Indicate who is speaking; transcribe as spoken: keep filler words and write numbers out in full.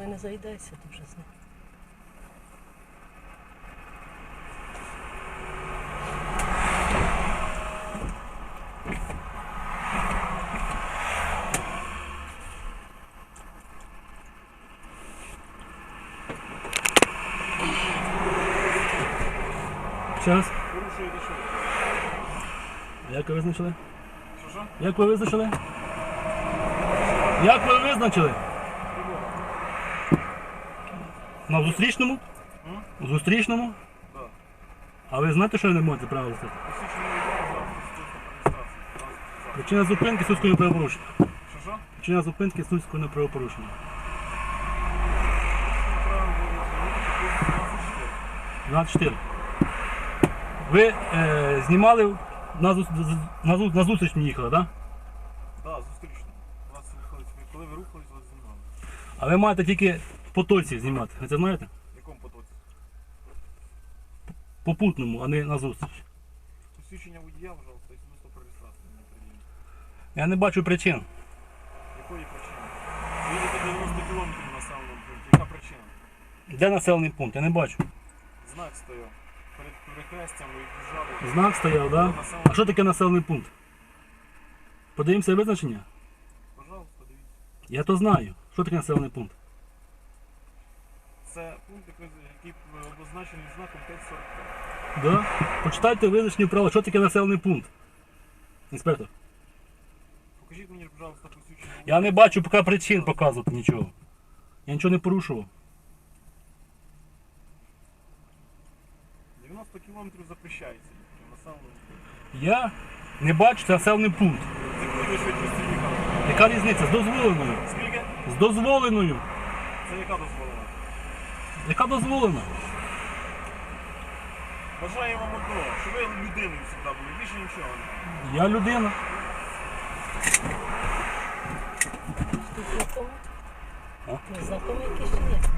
Speaker 1: не заїдайся, то вже знаю.
Speaker 2: Час.
Speaker 3: Порушуєте що?
Speaker 2: Як ви визначили?
Speaker 3: Що що?
Speaker 2: Як ви визначили? Як ви визначили? На зустрічному?
Speaker 3: М?
Speaker 2: У зустрічному?
Speaker 3: Так.
Speaker 2: А ви знаєте, що ви не можете право стати?
Speaker 3: Посвідчення відомо за реєстрації.
Speaker 2: Причина зупинки сільського правопорушення.
Speaker 3: Що що?
Speaker 2: Причина зупинки сільського правопорушення.
Speaker 3: Право було
Speaker 2: двадцять чотири. Ви е, знімали на, зу- на, зу- на зустріч мені їхали, так? Да?
Speaker 3: Так, зустрічно. Вас виходить, коли ви рухались, вас знімали.
Speaker 2: А ви маєте тільки в потоці знімати. Ви це знаєте?
Speaker 3: В якому потоці?
Speaker 2: Попутному, а не на зустріч.
Speaker 3: Посвідчення водія, пожалуйста, і свідоцтво про реєстрацію мені приділіть.
Speaker 2: Я не бачу причин.
Speaker 3: Якої причини? Ви їдете дев'яносто кілометрів на населеному пункті. Яка причина?
Speaker 2: Де населений пункт? Я не бачу.
Speaker 3: Знак стояв. Перед перехрестям ви від'їжджали.
Speaker 2: Знак стояв, так? Да? А що таке населений пункт? Подивимося визначення?
Speaker 3: Пожалуйста, дивіться.
Speaker 2: Я то знаю. Що таке населений пункт?
Speaker 3: Це пункт, який який обозначений знаком п'ять сорок п'ять.
Speaker 2: Да? Почитайте визначення правила. Що таке населений пункт? Інспектор.
Speaker 3: Покажіть мені, пожалуйста, посвідчення.
Speaker 2: Я не бачу поки причин показувати нічого. Я нічого не порушував.
Speaker 3: дев'яносто кілометрів запрещається. в населеному пункті.
Speaker 2: Я не бачу це населений пункт.
Speaker 3: З якою ви швидкістю їхали?
Speaker 2: Яка різниця? З дозволеною.
Speaker 3: Скільки?
Speaker 2: З дозволеною.
Speaker 3: Це яка дозволена?
Speaker 2: Яка дозволена?
Speaker 3: Бажаю вам одного, щоб ви людиною завжди були, більше нічого не.
Speaker 2: Я людина.
Speaker 1: Тут знакомий?
Speaker 2: А?
Speaker 1: Знакомий якийсь чи ні?